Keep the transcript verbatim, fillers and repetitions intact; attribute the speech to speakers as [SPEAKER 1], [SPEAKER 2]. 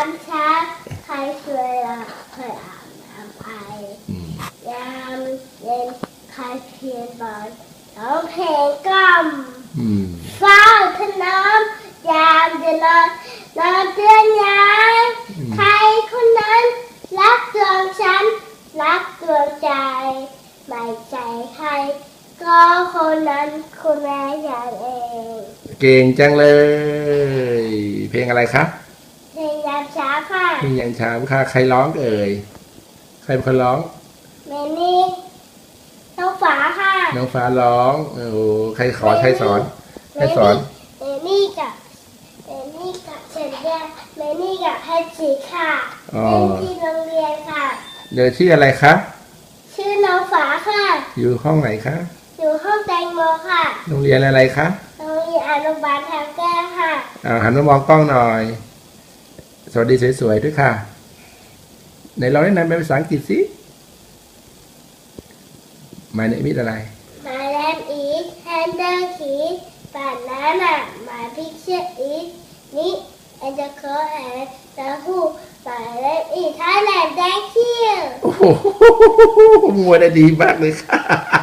[SPEAKER 1] เช้าใครเคยละเคยอาบน้ำไอยามเย็นใครเพียนบอลร้องเพลงกล่อม
[SPEAKER 2] อืม
[SPEAKER 1] เฝ้าถนอมยามจะนอนนอนเตือนยามใครคนนั้นรักดวงฉันรักดวงใจไม่ใจใครก็คนนั้นคุณแม่อย่างเอง
[SPEAKER 2] เก่งจังเลย เพลงอะไรคะ
[SPEAKER 1] เพลงยามเช้าค่ะ
[SPEAKER 2] เพลงยังช้าค่ะใครร้องเอ่ยใครเป็นคนร้อง
[SPEAKER 1] เมนี่น้องฝาค่ะ
[SPEAKER 2] น้องฟ้าร้องโอ้โหใครขอใครสอนใครสอน
[SPEAKER 1] เมนี่กับเมนี่กับเชนเดียเมนี่กับแพทจีค่ะ
[SPEAKER 2] อ๋อ
[SPEAKER 1] เล่นที่โรงเรียนค่ะ
[SPEAKER 2] เดี๋ยวชื่ออะไรคะ
[SPEAKER 1] ชื่อน้องฝาค่ะ
[SPEAKER 2] อยู่ห้องไหนคะ
[SPEAKER 1] อยู่ห้องแตงโมค่ะ
[SPEAKER 2] โรงเรียนอะไรคะ
[SPEAKER 1] โรงเรียนอนุบาลทางแก้วค่ะ
[SPEAKER 2] อ่าหันมามองกล้องหน่อย สวัสดีสวยๆด้วยค่ะไหนลองแนะนำเป็นภาษาอังกฤษสิ My name is อะไร
[SPEAKER 1] My name is Handler Kid Banana My picture is Nick and the coat and the hoop My name is Thailand Thank you
[SPEAKER 2] โอ้โหมัวได้ดีมากเลยค่ะ